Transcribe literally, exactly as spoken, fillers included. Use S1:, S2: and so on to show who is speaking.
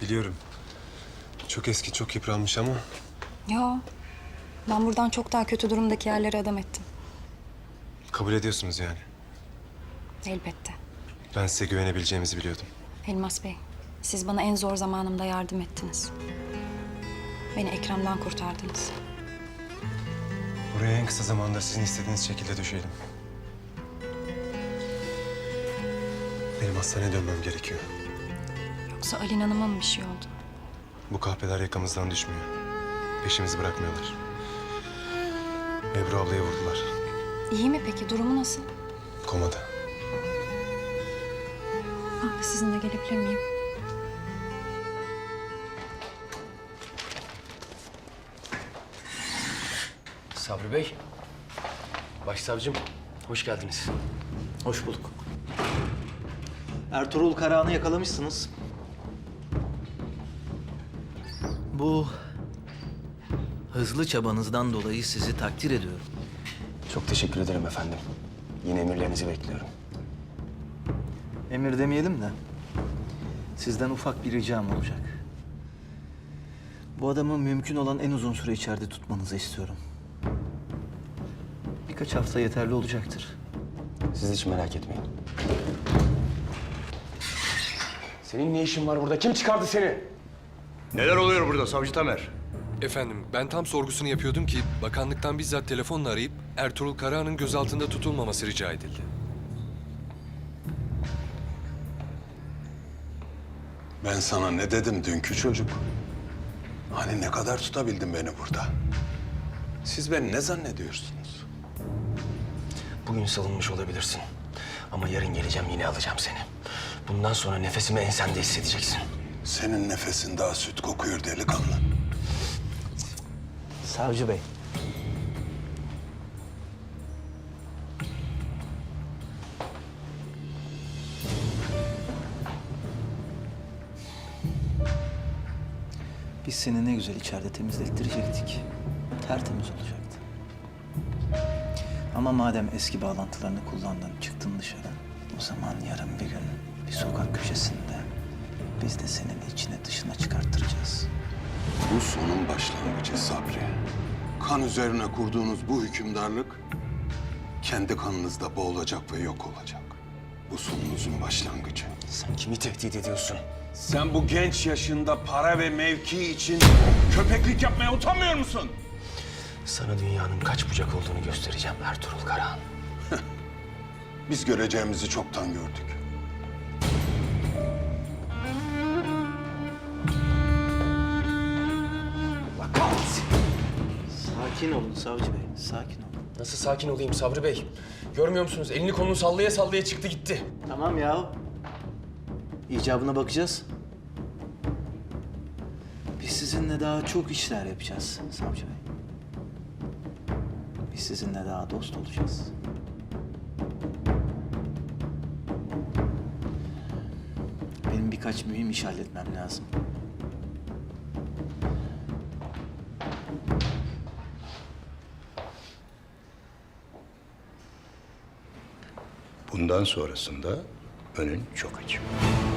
S1: Biliyorum. Çok eski, çok yıpranmış ama
S2: Yo. Ben buradan çok daha kötü durumdaki yerlere adam ettim.
S1: kabul ediyorsunuz yani.
S2: Elbette.
S1: Ben size güvenebileceğimizi biliyordum.
S2: Elmas Bey, siz bana en zor zamanımda yardım ettiniz. Beni Ekrem'den kurtardınız.
S1: Buraya en kısa zamanda sizin istediğiniz şekilde düşelim. Benim hastaneye dönmem gerekiyor.
S2: Yoksa Alin Hanım'a mı bir şey oldu?
S1: Bu kahpeler yakamızdan düşmüyor. Peşimizi bırakmıyorlar. Ebru ablayı vurdular.
S2: İyi mi peki? Durumu nasıl?
S1: Komada.
S2: Ben de sizinle gelebilir miyim?
S3: Sabri Bey, başsavcım, hoş geldiniz.
S4: Hoş bulduk. Ertuğrul Karahan'ı yakalamışsınız. Bu hızlı çabanızdan dolayı sizi takdir ediyorum.
S3: Çok teşekkür ederim efendim. Yine emirlerinizi bekliyorum.
S4: Emir demeyelim de sizden ufak bir ricam olacak. Bu adamı mümkün olan en uzun süre içeride tutmanızı istiyorum. Birkaç hafta yeterli olacaktır.
S3: Siz hiç merak etmeyin. Senin ne işin var burada? Kim çıkardı seni?
S5: Neler oluyor burada Savcı Tamer?
S6: Efendim, ben tam sorgusunu yapıyordum ki bakanlıktan bizzat telefonla arayıp Ertuğrul Karahan'ın gözaltında tutulmaması rica edildi.
S7: Ben sana ne dedim dünkü çocuk? Hani ne kadar tutabildin beni burada? Siz beni ne zannediyorsunuz?
S3: Bugün salınmış olabilirsin. Ama yarın geleceğim, yine alacağım seni. Bundan sonra nefesimi ensende hissedeceksin.
S7: Senin nefesin daha süt kokuyor delikanlı.
S4: Savcı Bey. Biz seni ne güzel içeride temizlettirecektik. Tertemiz olacaktı. Ama madem eski bağlantılarını kullandın, çıktın dışarı. O zaman yarın bir gün bir sokak köşesinde biz de senin içine dışına çıkarttıracağız.
S7: Bu sonun başlangıcı Sabri. Kan üzerine kurduğunuz bu hükümdarlık kendi kanınızda boğulacak ve yok olacak. Bu sonunuzun başlangıcı.
S3: Sen kimi tehdit ediyorsun?
S7: Sen bu genç yaşında para ve mevki için köpeklik yapmaya utanmıyor musun?
S3: Sana dünyanın kaç bucak olduğunu göstereceğim Ertuğrul Karahan.
S7: Biz göreceğimizi çoktan gördük.
S3: Bak kahretsin.
S4: Sakin olun Savcı Bey, sakin olun.
S3: Nasıl sakin olayım Sabri Bey? Görmüyor musunuz? Elini kolunu sallaya sallaya çıktı gitti.
S4: Tamam ya. İcabına bakacağız. Biz sizinle daha çok işler yapacağız Savcı Bey. Biz sizinle daha dost olacağız. Benim birkaç mühim iş halletmem lazım.
S5: Bundan sonrasında önün çok açık.